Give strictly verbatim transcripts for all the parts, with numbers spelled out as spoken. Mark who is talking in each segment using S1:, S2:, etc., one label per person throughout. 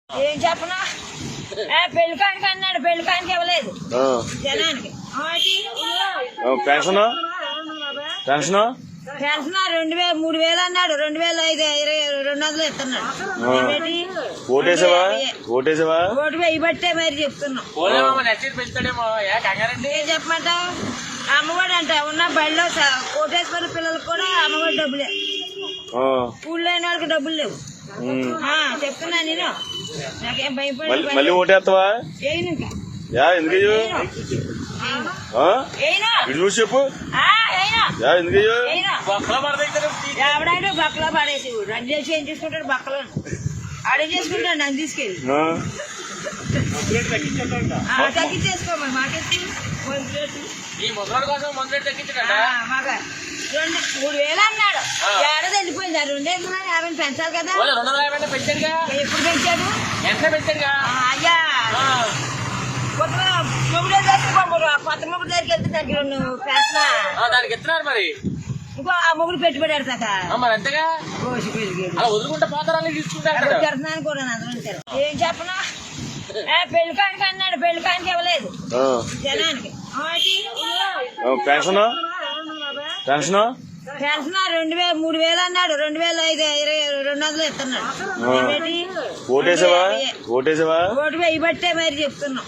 S1: ఏం చెప్పనా పెళ్ళికానికి అన్నాడు, పెళ్ళికానికి ఇవ్వలేదు జనానికి.
S2: పెన్షన్ పెన్షన్
S1: పెన్షన్ రెండు వేలు మూడు వేలు అన్నాడు, రెండు వేలు ఐదు ఇరవై రెండు వందలు ఇస్తున్నాడు.
S2: ఓటేసావా ఓటేసావా
S1: ఓటు వెయ్యి బట్టే మరి చెప్తున్నాం. ఏం చెప్పమంటావు? అమ్మఒడి అంట ఉన్న బడిలో కోటేశ్వర పిల్లలకు కూడా అమ్మఒడి డబ్బులే, స్కూల్ లేని వాళ్ళకి డబ్బులు లేవు. చెప్తున్నా నేను, నాకేం భయపడి
S2: మళ్ళీ ఓటేస్తావా?
S1: ఏను ఇంకా
S2: ఎందుకు చూసి చెప్పు ఎందుకు
S1: ఎవడైనా బక్కలో పడేసి రన్ చేసి ఏం చేసుకుంటాడు, బక్కలో ఆడే చేసుకుంటాడు. నన్ను తీసుకెళ్ళి తగ్గించేసుకోమని మాకెత్తి మాకు రెండు మూడు వేలు అన్నాడు, ఏడాది వెళ్ళిపోయింది. ఆ రెండేళ్ళు యాభై పెంచాలి కదా. ఎప్పుడు పెంచాడు? అయ్యా కొత్త మొగుడు కొత్త మొగుడు దగ్గరికి వెళ్తే దగ్గర
S3: దానికి ఎత్తున్నారు మరి.
S1: ఇంకో ఆ మొగుడు పెట్టుబడి పెడతాక
S3: మరి అంతేగా వదులుకుంటే పోతారని తీసుకుంటారు.
S1: పెడుతున్నాను కూడా అందరూ. ఏం చెప్పనా పెళ్ళికానికి అన్నాడు, పెళ్ళికానికి ఇవ్వలేదు జనానికి.
S2: పెన్షన్ పెన్షన్
S1: పెన్షన్ రెండు వేలు మూడు వేలు అన్నాడు, రెండు వేలు ఐదు ఇరవై రెండు వందలు ఇస్తున్నాడు.
S2: ఓటేసావా ఓటేసావా
S1: ఓటు వెయ్యి బట్టే మరి చెప్తున్నాం.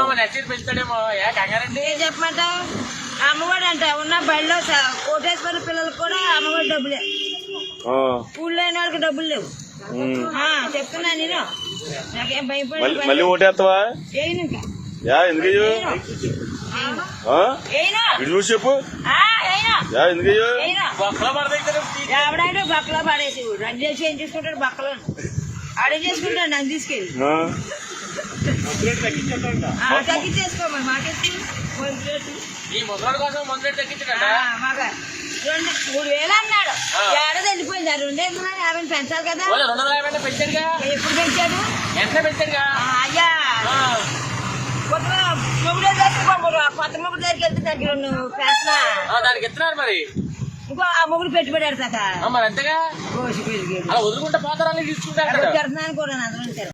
S1: ఏం చెప్పమంటావు? అమ్మఒడి అంట ఉన్న బడిలో కోటేశ్వర పిల్లలకు కూడా అమ్మఒడి డబ్బులే, స్కూల్ లేని వాళ్ళకి డబ్బులు లేవు. చెప్తున్నా నేను, నాకేం భయపడి
S2: మళ్ళీ ఓటేస్తావా?
S1: ఏను ఇంకా
S2: ఎందుకు చూసి చెప్పు ఎందుకు
S1: ఎవడైనా బక్కలో పడేసి రన్ చేసి ఏం చేసుకుంటాడు, బక్కలో ఆడే చేసుకుంటాడు. నన్ను తీసుకెళ్ళి తగ్గించేసుకోమని మాకెత్తి మాకు రెండు మూడు వేలు అన్నాడు, ఏడాది వెళ్ళిపోయింది. ఆ రెండేళ్ళు యాభై పెంచాలి కదా. ఎప్పుడు పెంచాడు? అయ్యా కొత్త మొగుడు కొత్త మొగుడు దగ్గరికి వెళ్తే దగ్గర
S3: దానికి ఎత్తున్నారు మరి.
S1: ఇంకో ఆ మొగుడు పెట్టుబడి పెడతాక
S3: మరి అంతేగా వదులుకుంటే పోతారని తీసుకుంటారు.
S1: పెడుతున్నాను కూడా అందరూ.